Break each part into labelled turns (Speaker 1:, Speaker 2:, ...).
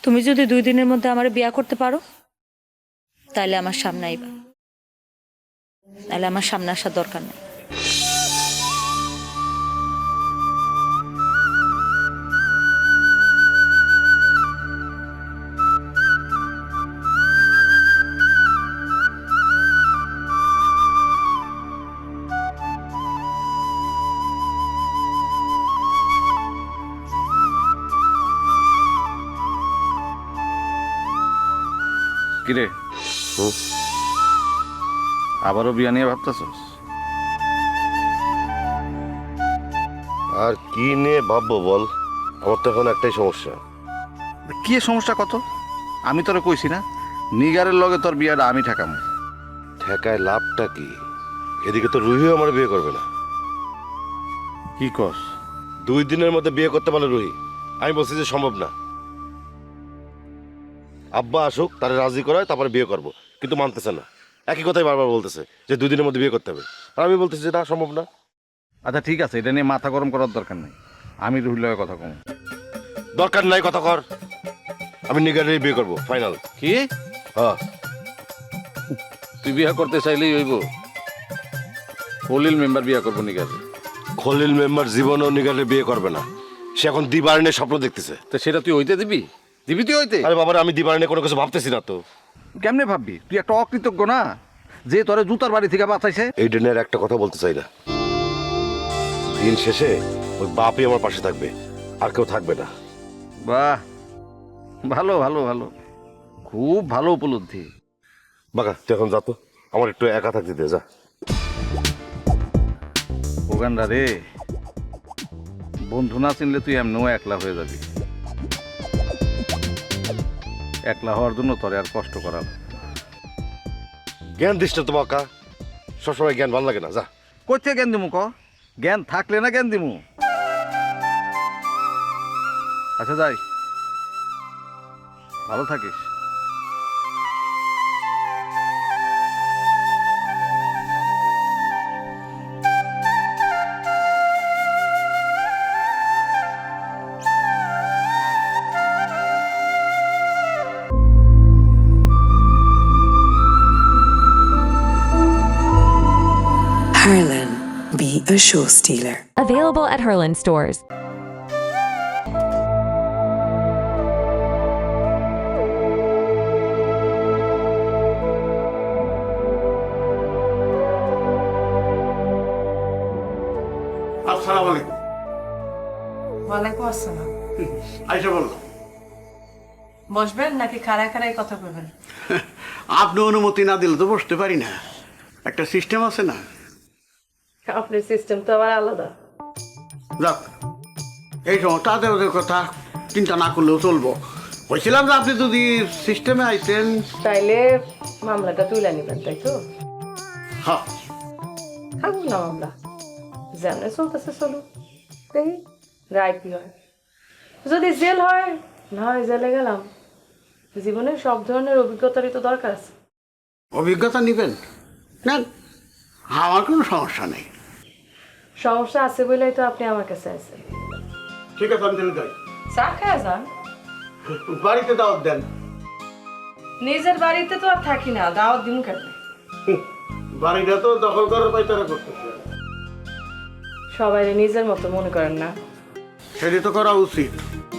Speaker 1: তুমি যদি 2 দিনের মধ্যে আমার বিয়া করতে পারো তাহলে আমার সামনে আইবা, তাহলে আমার সামনে আসার দরকার নেই।
Speaker 2: কিরে আবারও বিয়া নিয়ে ভাবতেছস?
Speaker 3: আর কি নিয়ে ভাববো বল, আমার তো এখন একটাই সমস্যা।
Speaker 2: কি সমস্যা কত? আমি তোরে কইছি না নিগারের লগে তোর বিয়াটা আমি ঠেকাম।
Speaker 3: ঠেকায় লাভটা কি? এদিকে তো রুহিও আমার বিয়ে করবে না।
Speaker 2: কি কস?
Speaker 3: 2 দিনের মধ্যে বিয়ে করতে পারলে রুহি, আমি বলছি যে সম্ভব না। আব্বা আসুক, তারে রাজি করায় তারপরে বিয়ে করব, কিন্তু মানতেছে না। একই কথাই বারবার বলতেছে যে 2 দিনের মধ্যে বিয়ে করতে হবে, আর আমি বলতেছি যে না, সম্ভব না।
Speaker 2: আচ্ছা ঠিক আছে, এটা নিয়ে মাথা গরম করার দরকার নেই, আমি রুহির লগে কথা কম।
Speaker 3: দরকার নাই কথা কর, আমি নিগারেরই বিয়ে করব, ফাইনাল।
Speaker 2: কি
Speaker 3: হ্যাঁ,
Speaker 2: তুই বিয়া করতে চাইলেই হইব? খলিল মেম্বার বিয়া করবো নিগার?
Speaker 3: খলিল মেম্বার জীবনও নিগারের বিয়ে করবে না। সে এখন দিবারণের স্বপ্ন দেখতেছে।
Speaker 2: তো সেটা তুই হইতে দিবি? দিবি তুই হইতে?
Speaker 3: আরে বাবার, আমি দিবারণে কোনো কিছু ভাবতেছি না তো।
Speaker 2: কেমনে ভাববি? তুই একটা অকৃতজ্ঞ না, যে তোরে জুতার বাড়ি থেকে বাঁচাইছে।
Speaker 3: এই ডেনের একটা কথা বলতে চাই না, দিন শেষে ওই বাপই আমার পাশে থাকবে, আর কেউ থাকবে না।
Speaker 2: বাহ, ভালো ভালো ভালো, খুব ভালো উপলব্ধি।
Speaker 3: বাকা, তুই এখন যা তো, আমার একটু একা থাকতে দে, যা।
Speaker 2: ওগান্ডা রে, বন্ধু না চিনলে তুই এমনিও একলা হয়ে যাবি। একলা হওয়ার জন্য তোরে আর কষ্ট করার।
Speaker 3: জ্ঞান দিস না তো বাকা, সবসময় জ্ঞান ভালো লাগে না, যা।
Speaker 2: কোথা জ্ঞান দিমু ক? জ্ঞান থাকলে না জ্ঞান দিমু। আচ্ছা যাই, ভালো থাকিস।
Speaker 4: Harlan, be a show stealer.
Speaker 5: Available at Herland stores.
Speaker 6: আসসালামু আলাইকুম।
Speaker 7: ওয়ালাইকুম আসসালাম।
Speaker 6: আইসা বললো
Speaker 7: বসবেন নাকি খাড়ায় খাড়ায় কথা বলবেন?
Speaker 6: আপনি অনুমতি না দিলে তো বসতে পারি না, একটা সিস্টেম আছে না।
Speaker 7: আপনার সিস্টেম তো আবার আলাদা।
Speaker 6: যাক, এই সময় তাদের ওদের কথা চিন্তা না করলেও চলবো। বলছিলাম যে আপনি যদি সিস্টেমে আইতেন।
Speaker 7: তাইলে মামলাটা তুলে নেবেন, তাই তো?
Speaker 6: হ্যাঁ,
Speaker 7: থাকুন না মামলা, যেমন চলতেছে চলুক, দেখি রায় কি হয়। যদি জেল হয়, না হয় জেলে গেলাম। জীবনে সব ধরনের অভিজ্ঞতারই তো দরকার আছে।
Speaker 6: অভিজ্ঞতা নিবেন না, আমার কোনো সমস্যা নেই।
Speaker 7: সমস্যা আছে বলেই তো আপনি আমার কাছে আছেন।
Speaker 6: ঠিক আছে, আমি তাহলে যাই।
Speaker 7: চা খায় যান,
Speaker 6: বাড়িতে দাওয়াত দেন।
Speaker 7: নিজের বাড়িতে তো আর থাকি না, দাওয়াত দিন কেন?
Speaker 6: বাড়িটা তো দখল করার পাইতারা করতেছে।
Speaker 7: সবাই নিজের মতো মনে করেন না।
Speaker 6: সেটা তো করা উচিত।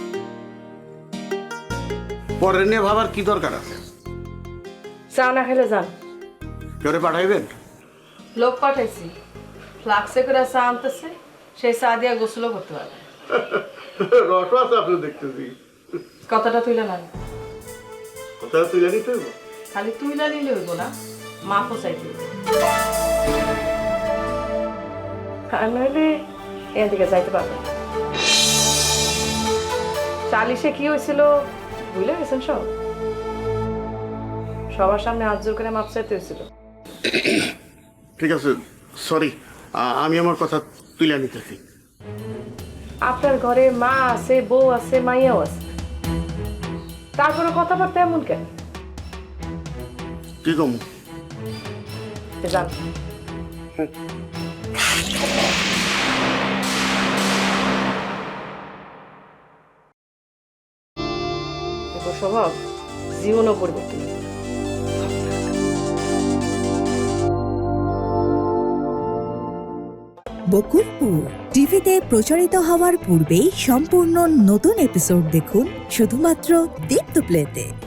Speaker 6: পরে নিয়ে ভাবার কি দরকার আছে?
Speaker 7: চা না খেলে যান।
Speaker 6: কেউ পাঠাইবেন?
Speaker 7: লোক পাঠাইছি, ফ্লাক্সে করে চা আনতেছে, সেই চা দিয়া গোসলও করতে পারবে।
Speaker 6: রস আছে আপনি দেখতেছি।
Speaker 7: কথাটা তুইলে না,
Speaker 6: কথা তুলে নিতে হইব।
Speaker 7: খালি তুইলা নিলে হইব না, মাফও চাইতে হইব। আর নইলে এদিকে যাইতে পারবে না। চালিশে কি হয়েছিল বুঝলে গেছেন সব? সবার সামনে হাত জোর করে মাপ চাইতে হয়েছিল।
Speaker 6: ঠিক আছে, সরি, আমি আমার কথা তুলে নিতেছি।
Speaker 7: আপনার ঘরে মা আছে, বউ আছে, মাইয়াও আছে, তারপরে কথাবার্তা এমন কেন?
Speaker 6: কি কম?
Speaker 7: জান তোর স্বভাব জীবনও পরিবর্তন হবে।
Speaker 8: বকুলপুর টিভিতে প্রচারিত হওয়ার পূর্বেই সম্পূর্ণ নতুন এপিসোড দেখুন শুধুমাত্র দীপ্ত প্লেতে।